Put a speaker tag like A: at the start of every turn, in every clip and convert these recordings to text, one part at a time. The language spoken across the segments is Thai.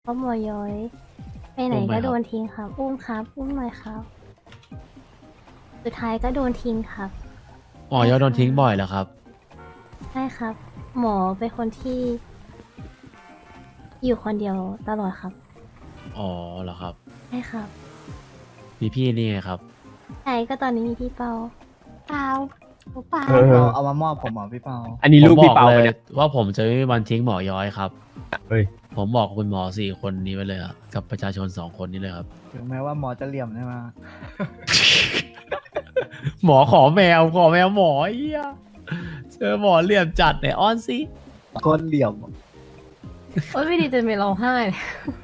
A: เพราะหมอย้อยไปไหนก็โดนทิ้งครับ อุ้มครับอุ้มหน่อยครับ สุดท้ายก็โดนทิ้งครับ
B: หมอยอดโดนทิ้งบ่อยเหรอครับ
A: ใช่ครับ หมอเป็นคนที่ อยู่คนเดียวตลอดครับ
B: อ๋อเหรอครับ
A: ใช่ครับ
B: มีพี่นี่ไงครับ
A: ใช่ก็ตอนนี้มีพี่เปาเปาเปา
C: เอามามอบผมเหรอพี่เปา
D: อันนี้ลูก
B: ผม
D: พี่
B: บอก
D: เปา
B: เล
D: ไปะ
B: ย
D: เนี่ย
B: ว่าผมจะไม่มีวันทิ้งหมอย้อยครับ
D: เฮ้ย
B: ผมบอกคุณหมอ4 คนนี้ไปเลยอะกับประชาชน2 คนนี้เลยครับ
C: ถึงแม้ว่าหมอจะเหลี่ยมใช่ไหม
B: หมอขอแมวหมอเอี้ยเจอหมอเหลี่ยมจัดเนี่ยอ้อนสิ
C: คนเหลี่ยม
A: โอ๊ยไม่ดีจนไม่ร้องไห้เลย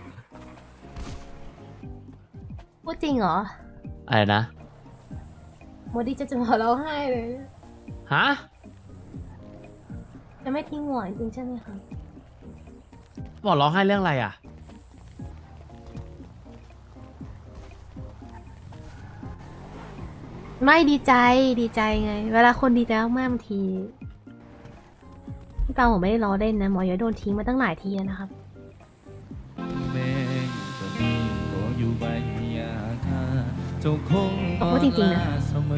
A: พูดจริงเหรอ
B: อะไรนะ
A: โมดีจะมาร้องไห้เลย
B: ฮะ
A: จะไม่ทิ้งหมอจริงๆใช่ไหมคะ
B: หมอร้องไห้เรื่องอะไรอ่ะ
A: ไม่ดีใจไง เวลาคนดีใจมากๆบางทีพี่เปาผมไม่ได้ล้อเล่นนะหมอย้อยโดนทิ้งมาตั้งหลายทีแล้วนะครับ บอกว่าจริงๆนะ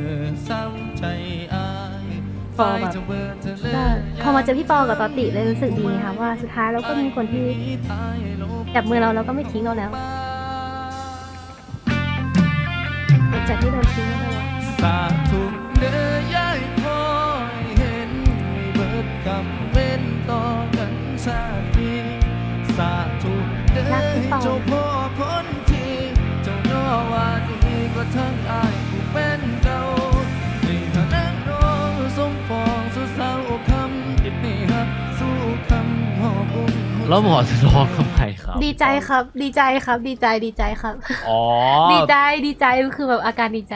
A: พอแบบพอมาเจอพี่ปอกับตอติเลยรู้สึกดีไงค่ะว่าสุดท้ายเราก็มีคนที่จับมือเราแล้วก็ไม่ทิ้งเราแล้วหลังจากที่โดนทิ้งมาตลอด
E: สาธุเนื้อยคอยเห็นไม่เบิดกำเว้นต่อกันชาตินี้สาธุเนื้อเจ้าพ่อคนที่เจ้าย่อว่าดีก็ทั้งอายผู้เป็นเจ้าในฐานะน้องสมปองสู่สาวคำติดนี่ฮักสู้คำหอบอุ้ม
B: แล้วหมอจะร้องทำไมครับ
A: ดีใจครับ ดีใจครับ ดีใจครับ
B: อ๋อ
A: ดีใจคือแบบอาการดีใจ